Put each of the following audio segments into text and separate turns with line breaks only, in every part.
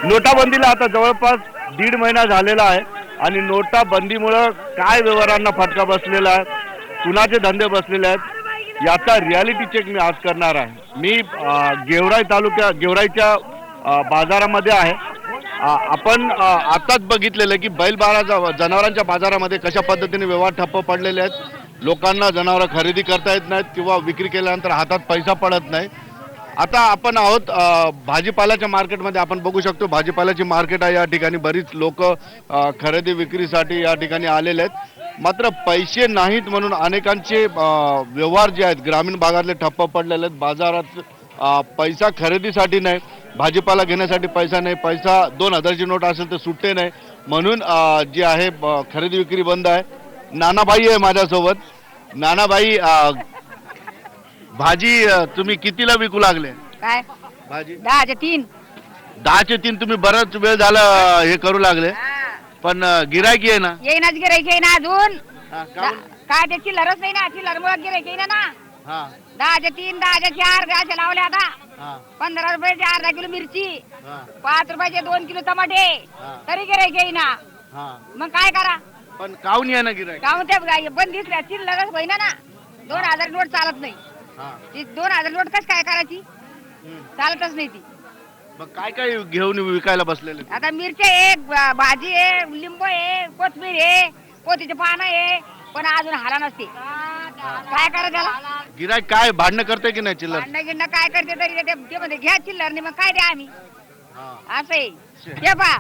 नोटाबंदीला आता जवळपास 1.5 महिना झालेला आहे आणि नोटाबंदीमुळे काय व्यवहारांना फटका बसलेला आहे, कुणाचे धंदे बसलेले आहेत याचा रियालिटी चेक मी आज करणार आहे। मी गेवराईच्या बाजारामध्ये आहे। आपण आताच बघितलेलं की जनावरांच्या बाजारामध्ये कशा पद्धतीने व्यवहार ठप्प पडलेले आहेत। लोकांना जनावर खरेदी करता येत नाहीत किंवा विक्री केल्यानंतर हातात पैसा पडत नाही। आता आपण आहोत भाजीपाल्याच्या मार्केटमध्ये। आपण बघू शकतो भाजीपाल्याची मार्केट आहे, या ठिकाणी बरीच लोक खरेदी विक्रीसाठी या ठिकाणी आलेले आहेत। मात्र पैसे नाहीत म्हणून अनेकांचे व्यवहार जे आहेत ग्रामीण भागातले ठप्प पडलेले आहेत। बाजारात पैसा खरेदीसाठी नाही, भाजीपाला घेण्यासाठी पैसा नाही, पैसा 2000 ची नोट असेल तर सुट्टे नाही म्हणून जी आहे खरेदी विक्री बंद आहे। नानाबाई आहे माझ्यासोबत। नानाबाई, भाजी तुम्ही कितीला विकू लागले?
काय
भाजी
10चे 3
10चे 3 तुम्ही बराच वेळ झाला हे करू लागले, पण गिरायकी आहे ना?
येईनाच गिराईक येईना अजून।
काहून?
काय ते चिल्लरच नाही ना, चिल्लर मुळे गिराईक येईना ना। 10चे 3 10चे 4 द्यायचे लावले आता। 15 रुपयाचे अर्धा किलो मिरची, 5 रुपयाचे 2 किलो टमाटे, तरी गिराईक येईना। मग काय करा?
पण काहून आहे ना गिरायक?
काहून ते बंदिस्त चिल्लरच होईना ना। 2000 नोट चालत नाही। ती 2000 नोट कस काय करायची? चालतच नाही ती।
मग काय काय घेऊन विकायला बसलेले?
आता मिरची आहे, भाजी आहे, लिंबू आहे, कोथमीर आहे, पोतीचे पानं आहे, पण अजून हाला नसते। काय करा त्याला?
गिरायक काय भांडणं करते की नाही चिल्लर?
भांडणं गिंडणं काय करते तरी ते मध्ये घ्या चिल्लर नाही, मग काय द्या आम्ही असं आहे। हे पा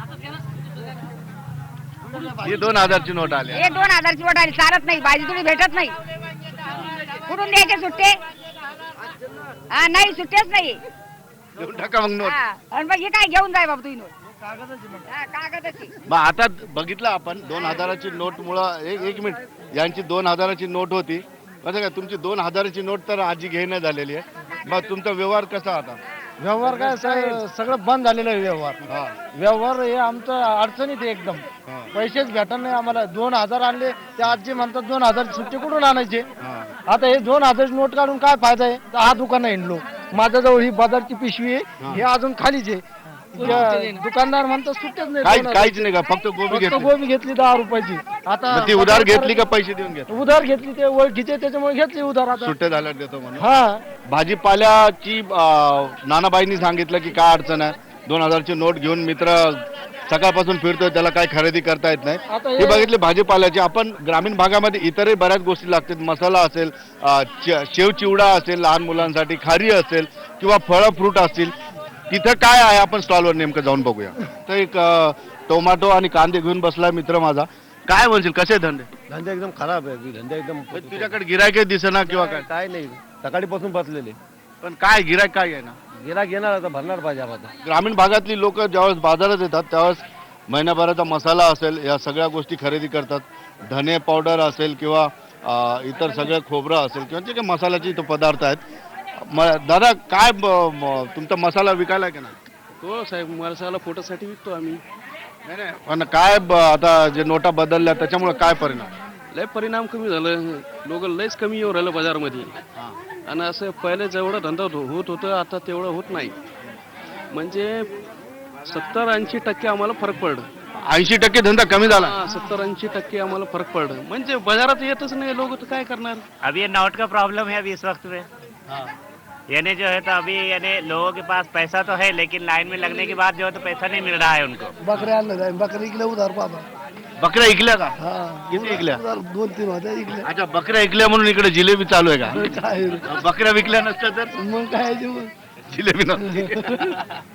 ही 2000 ची नोट आली।
हे 2000 ची नोट आली, चालत नाही। भाजी थोडी भेटत नाही, कुठून द्यायचे सुट्टे? नाही सुट्टेच नाही।
घेऊन टाका मग नोट।
आणि मग हे काय घेऊन जाय बाबा तुम्ही नोट? कागदाची।
मग आता बघितलं आपण 2000 ची नोट मुळे एक मिनिट, यांची 2000 ची नोट होती कसं काय? तुमची 2000 ची नोट तर आजी घेणं झालेली आहे। मग तुमचा व्यवहार कसा आता?
व्यवहार काय सगळं बंद झालेलं आहे व्यवहार। व्यवहार हे आमचं अडचणीत आहे एकदम। पैसेच भेटत नाही आम्हाला। 2000 आणले ते आजी म्हणतात 2000 सुट्टे कुठून आणायचे? आता हे 2000 नोट काढून काय फायदा आहे? हा दुकान हिंडलो, माझ्याजवळ ही बाजारची पिशवी आहे, हे अजून खालीच आहे। दुकानदार म्हणतात सुट्टेच नाही,
काहीच नाही का? फक्त
गोबी घेतली 10 रुपयाची। आता
ती उधार घेतली का पैसे देऊन घेतली?
उधार घेतली, ते ओळखीचे त्याच्यामुळे घेतली उधार। आता
सुट्टे झाल्यावर देतो म्हणून।
हा,
भाजीपाल्याची नानाबाईंनी सांगितलं की काय अडचण आहे, 2000 ची नोट घेऊन मित्र सकाळपासून फिरतोय, त्याला काय खरेदी करता येत नाही। हे बघितले भाजीपाल्याची। आपण ग्रामीण भागामध्ये इतरही बऱ्याच गोष्टी लागतात, मसाला असेल, शेव चिवडा असेल लहान मुलांसाठी, खारी असेल किंवा फळं फ्रूट असतील, तिथं काय आहे आपण स्टॉलवर नेमकं जाऊन बघूया। तर एक टोमॅटो आणि कांदे घेऊन बसलाय मित्र माझा। काय म्हणशील, कसे धंदे?
धंदा एकदम खराब आहे, धंदा एकदम।
तुझ्याकडे गिरायक दिसेना किंवा काय?
काय नाही, सकाळीपासून बसलेले।
पण काय गिरायक काय आहे ना?
गिराक येणार, आता भरणार पाहिजे आता।
ग्रामीण भागातली लोक ज्यावेळेस बाजारात येतात त्यावेळेस महिन्याभराचा मसाला असेल, या सगळ्या गोष्टी खरेदी करतात। धने पावडर असेल किंवा इतर सगळं खोबरं असेल किंवा जे काही मसाल्याचे इथं पदार्थ आहेत। दादा काय तुमचा मसाला विकायला की नाही?
हो साहेब, मसाला फोटोसाठी विकतो आम्ही।
नाही नाही, पण काय आता जे नोटा बदलल्या त्याच्यामुळे काय परिणाम?
लय परिणाम कमी झालं, लोक लयच कमी येऊ राहिलं बाजारमध्ये। आणि असं पहिले जेवढं धंदा होत होतं आता तेवढं होत नाही। म्हणजे 70-80% आम्हाला फरक पडलं।
80% धंदा कमी झाला?
70-80% आम्हाला फरक पडलं। म्हणजे बाजारात येतच नाही लोक, तर काय करणार?
अभी ये नोट का प्रॉब्लम है अभी इस वक्त में। यानी जो है तो अभी यानी लोगों के पास पैसा तो है, लेकिन लाइन में लगने के बाद जो है तो पैसा नहीं मिल रहा है उनको।
बकऱ्या आणलं, बकरी इकल्या उधार बाबा।
बकऱ्या इकल्या का? किती इकल्या?
2-3 होत्या इकल्या।
अच्छा, बकऱ्या इकल्या म्हणून इकडे जिलेबी चालू आहे का?
काय
बकऱ्या विकल्या नसत्या तर
मग काय
जिलेबी नसते।